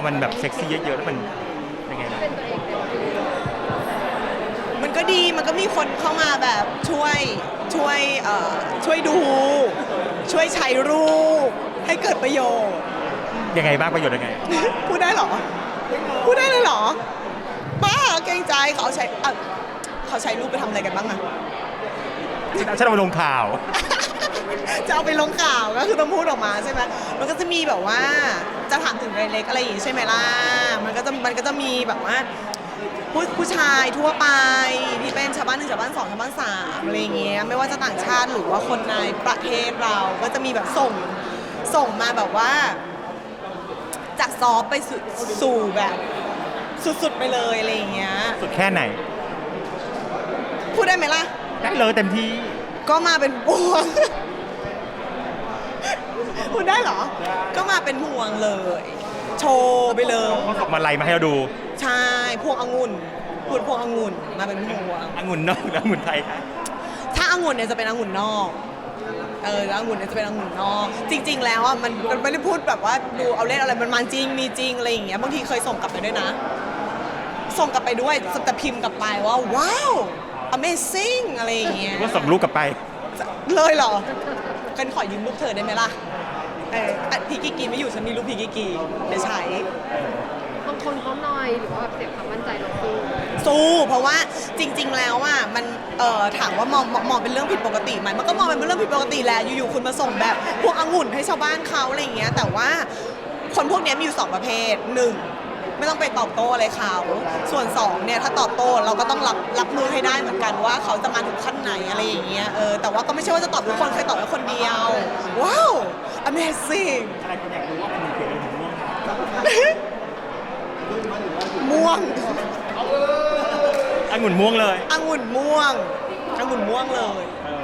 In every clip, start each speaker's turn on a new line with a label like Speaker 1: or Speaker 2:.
Speaker 1: มันแบบเซ็กซี่เยอะๆแล้วมันยังไงบ้าง
Speaker 2: มันก็ดีมันก็มีคนเข้ามาแบบช่วยดู ช่วยใช้รูปให้เกิดประโยชน์
Speaker 1: ยังไงบ้างประโยชน์ยังไง
Speaker 2: พูดได้เหรอ พูดได้เลยเหรอบ้าเกรงใจเขาใช้รูปไปทำอะไรกันบ้างอะ
Speaker 1: ฉันเอาไปลงข่าว
Speaker 2: จะเอาไปลงข่าวก็คือต้องพูดออกมาใช่ไหมมันก็จะมีแบบว่าจะถามถึงรายเล็กอะไรอย่างงี้ใช่ไหมล่ะมันก็จะมีแบบว่าผู้ชายทั่วไปที่เป็นชาวบ้าน1ชาวบ้าน2ชาวบ้าน3อะไรอย่างเงี้ยไม่ว่าจะต่างชาติหรือว่าคนในประเทศเราก็จะมีแบบส่งมาแบบว่าจากซอฟต์ไปสู่แบบสุดๆไปเลยอะไรอย่างเงี้ย
Speaker 1: สุดแค่ไหน
Speaker 2: พูดได้ไหมล่ะ
Speaker 1: ได้เลยเต็มที่
Speaker 2: ก็มาเป็นพวง พูดได้เหรอก็มาเป็นพวงเลยโชว์ไปเลย
Speaker 1: เขาส่งมาไล่มาให้เราดู
Speaker 2: ใช่พวงองุ่นพูดพวงองุ่นมาเป็นพวง
Speaker 1: องุ่นนอกแล้วองุ่นไทยครับ
Speaker 2: ถ้าองุ่นเนี่ยจะเป็นองุ่นนอกแล้วองุ่นเนี่ยจะเป็นองุ่นนอกจริงๆแล้วอ่ะมันไม่ได้พูดแบบว่าดูเอาเล่นอะไรมันมาจริงมีจริงอะไรอย่างเงี้ยบางทีเคยส่งกลับไปด้วยนะส่งกลับไปด้วยแต่พิมพ์กลับไปว่าว้าว amazing อะไรอย่างเงี้ย
Speaker 1: ว่าส่งรูปกลับไป
Speaker 2: เลยเหรอกันขอยืมรูปเธอได้ไหมล่ะพี่กิกกีไม่อยู่ฉันมีรูปพี่กิกกีเดี๋ยวใช้
Speaker 3: บางคนเขาหน่อยหรือว่าแบบเสียความมั่นใจเรา
Speaker 2: สู้เพราะว่าจริงๆแล้วอ่ะมันถามว่ามองเป็นเรื่องผิดปกติไหมมันก็มองเป็นเรื่องผิดปกติแหละอยู่ๆคุณมาส่งแบบพวกองุ่นให้ชาวบ้านเขาอะไรอย่างเงี้ยแต่ว่าคนพวกนี้มีอยู่2ประเภท1ไม่ต้องไปตอบโต้อะไรเขาส่วน2เนี่ยถ้าตอบโต้เราก็ต้องรับมือให้ได้เหมือนกันว่าเขาจะมาถึงขั้นไหนอะไรอย่างเงี้ยแต่ว่าก็ไม่ใช่ว่าจะตอบทุกคนเคยตอบแค่คนเดียวว้าว amazing
Speaker 1: อะไรคนอยากรู้ว่ามันเกี่ยวกับม่วง
Speaker 2: ม่วง
Speaker 1: องุ่นม่วงเลย
Speaker 2: องุ่นม่วงเลย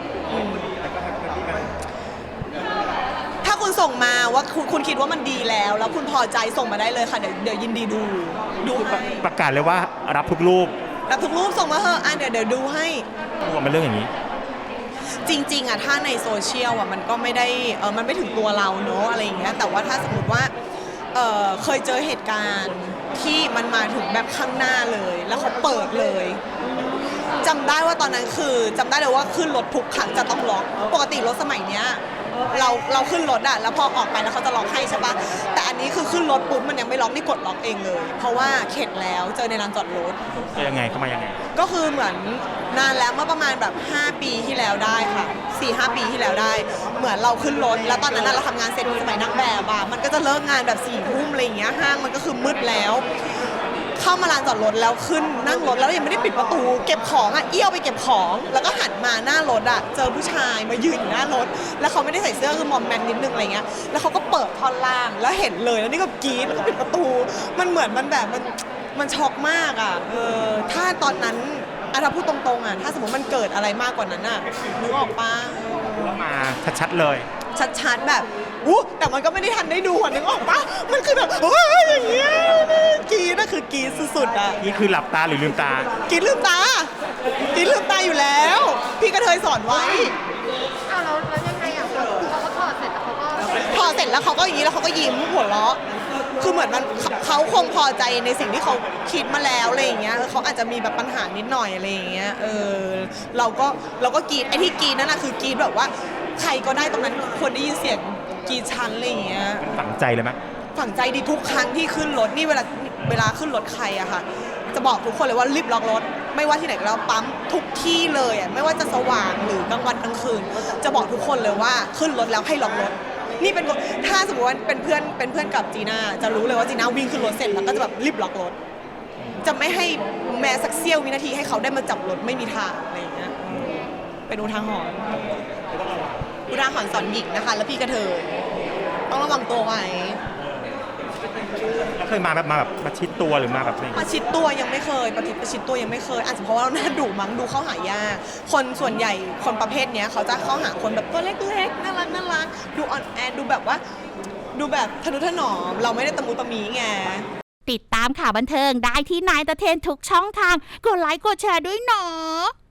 Speaker 2: ถ้าคุณส่งมาว่าคุณคิดว่ามันดีแล้วคุณพอใจส่งมาได้เลยค่ะเดี๋ยวยินดีดูให้
Speaker 1: ประกาศเลยว่ารับทุกรูป
Speaker 2: ส่งมาเถอะเดี๋ยวดูให้
Speaker 1: มันเรื่องอย่างนี้
Speaker 2: จริงๆอ่ะถ้าในโซเชียลอ่ะมันก็ไม่ได้มันไม่ถึงตัวเราเนอะอะไรอย่างเงี้ยแต่ว่าถ้าสมมติว่าเคยเจอเหตุการณ์ที่มันมาถึงแบบข้างหน้าเลยแล้วเขาเปิดเลยจำได้ว่าตอนนั้นคือจำได้เลยว่าขึ้นรถทุกครั้งจะต้องล็อกปกติรถสมัยเนี้ยเราขึ้นรถอะแล้วพอออกไปแล้วเขาจะล็อกให้ใช่ปะแต่อันนี้คือขึ้นรถปุ๊บมันยังไม่ล็อกนี่กดล็อกเองเลยเพราะว่าเข็ดแล้วเจอในลานจอดรถ
Speaker 1: ยังไงเข้ามายังไง
Speaker 2: ก็คือเหมือนนานแล้วเมื่อประมาณแบบ5 ปีที่แล้วได้ค่ะ 4-5 ปีที่แล้วได้เหมือนเราขึ้นรถแล้วตอนนั้นเราทำงานเสร็จสมัยนักแบบอะมันก็จะเลิกงานแบบ4 ทุ่มอะไรอย่างเงี้ยห้างมันก็คือมืดแล้วเข้ามาลานจอดรถแล้วขึ้นนั่งรถแล้วยังไม่ได้ปิดประตูเก็บของอ่ะเอี้ยวไปเก็บของแล้วก็หันมาหน้ารถอ่ะเจอผู้ชายมายืนอยู่หน้ารถแล้วเขาไม่ได้ใส่เสื้อคือมอมแมมนิดนึงอะไรเงี้ยแล้วเขาก็เปิดท่อนล่างแล้วเห็นเลยแล้วนี่ก็กรี๊ดแล้วก็ปิดประตูมันเหมือนมันแบบมันช็อกมากอ่ะถ้าตอนนั้นถ้าพูดตรงๆอ่ะถ้าสมมติมันเกิดอะไรมากกว่านั้นอ่ะนึกออกปะ
Speaker 1: มาชัดๆเลย
Speaker 2: ชัดๆแบบแต่มันก็ไม่ได้ทันได้ดูนึกออกปะมันคือแบบอย่างเงี้ยกรี๊ดน่ะคือกรี๊ดสุดๆอ่ะ
Speaker 1: นี่คือหลับตาหรือลืมตา
Speaker 2: กินลืมตาอยู่แล้วพี่กระเทยสอนไว้
Speaker 3: แล้วยังไงอ่ะเขาก็ถอดเสร็จแล้วเขาก็
Speaker 2: อย่างนี้แล้วเขาก็ยิ้มหัวเราะคือเหมือนมันเขาคงพอใจในสิ่งที่เขาคิดมาแล้วอะไรอย่างเงี้ยเขาอาจจะมีแบบปัญหานิดหน่อยอะไรอย่างเงี้ยเราก็กรี๊ดไอ้ที่กรี๊ดนั่นน่ะคือกรี๊ดแบบว่าใครก็ได้ตรงนั้นควรได้ยินเสียงกรี๊ดชั้นอะไรอย่างเงี้ย
Speaker 1: ฝังใจเลยไหม
Speaker 2: ฝังใจดีทุกครั้งที่ขึ้นรถนี่เวลาขึ้นรถใครอะค่ะจะบอกทุกคนเลยว่ารีบล็อกรถไม่ว่าที่ไหนก็แล้วปั๊มทุกที่เลยอะไม่ว่าจะสว่างหรือกลางวันกลางคืนจะบอกทุกคนเลยว่าขึ้นรถแล้วให้ล็อกรถนี่เป็นถ้าสมมติว่าเป็นเพื่อนกับจีน่าจะรู้เลยว่าจีน่าวิ่งขึ้นรถเสร็จแล้วก็จะแบบรีบล็อกรถจะไม่ให้แม้สักเสี้ยววินาทีให้เขาได้มาจับรถไม่มีทางอะไรอย่างเงี้ยเป็นอุทาหรณ์สอนหญิงนะคะแล้วพี่กระเทยต้องระวังตัวไว้
Speaker 1: แล้วเคยมาแบบมาชิดตัวหรือมาแบบไหน
Speaker 2: มาชิดตัวยังไม่เคยประชิดตัวยังไม่เคยอาจจะเพราะว่าเราหน้าดุมั้งดูเข้าหายากคนส่วนใหญ่คนประเภทนี้เขาจะเข้าหาคนแบบตัวเล็กๆน่ารักดูอ่อนแอดูแบบว่าดูแบบทะนุถนอมเราไม่ได้ตะมุตะมีไง
Speaker 4: ติดตามข่าวบันเทิงได้ที่นายตะเทนทุกช่องทางกดไลค์กดแชร์ด้วยเนาะ